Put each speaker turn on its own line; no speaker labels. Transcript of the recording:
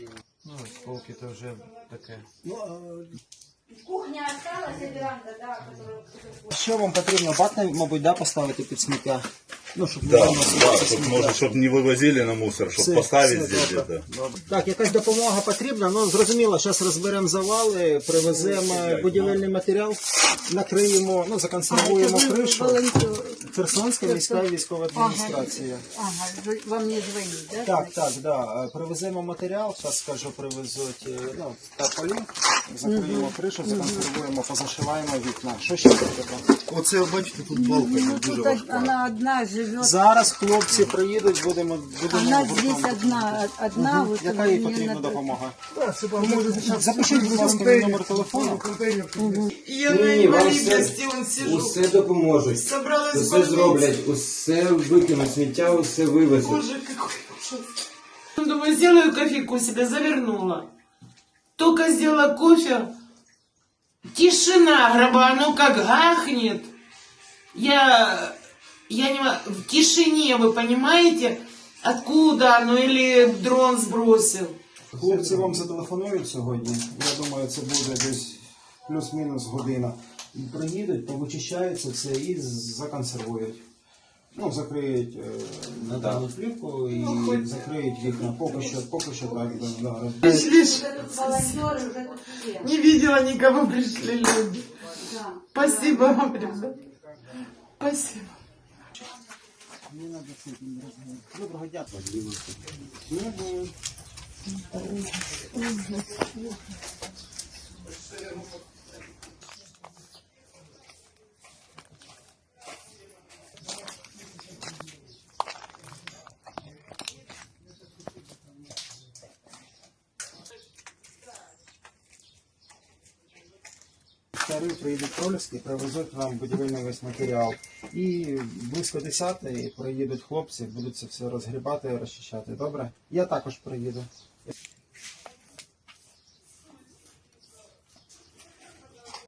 Ну, полки то вже таке.
Кухня осталась, и веранда, да, которую...
Що вам потрібно? Бак, мабуть, да, поставити під сміття? Ну, щоб не
Да,
виносити
да,
це
щоб,
сміття.
може, щоб не вивозили на мусор, щоб
Все,
поставити
все,
здесь
добре.
где-то.
Добре. Так, якась допомога потрібна, ну зрозуміло, зараз розберемо завали, привеземо будівельний матеріал, накриємо, ну законсервуємо кришу. Херсонська міська військова адміністрація.
Ага, вам не дзвонить, да?
Так, да. Привеземо матеріал, зараз скажу, привезуть ну, тарпалін, закриємо кришу, законсервуємо, позашиваємо вікна. Що ще треба?
Оце, бачите, тут балка
Ну,
дуже
тут
важка.
она одна живет.
Зараз хлопці приїдуть, будемо
Она
гуртом.
здесь одна. Вот
Яка
у
їй
меня
потрібна
надо-
допомога? Запишіть, будь ласка, мій номер телефону.
Я на інвалідності он сижу.
Усе допоможуть,
Собралась в
усе
больницю.
зроблять, усе викинуть сміття, усе вивезуть.
Боже, какой ужас. Думаю, сделаю кофейку себе, завернула. Только сделала кофе. Тишина, гроба, ну как гахнет. Я не могу. В тишине, вы понимаете, откуда оно или дрон сбросил.
Хлопці вам зателефонують сьогодні. Я думаю, це буде десь плюс-мінус година. Приїдуть, повичищають це все і законсервують. Ну, закриють металну плівку і закриють вікна. Поки що так. Да.
Пришли,
Волонтеры уже тут все.
не видела никого, пришли люди.
Да.
Спасибо вам, ребят. Спасибо.
Доброго дня. Приїдуть проліски, привезуть нам будівельний весь матеріал. І близько 10-ї приїдуть хлопці, будуть це все розгрібати, розчищати. Добре? Я також приїду.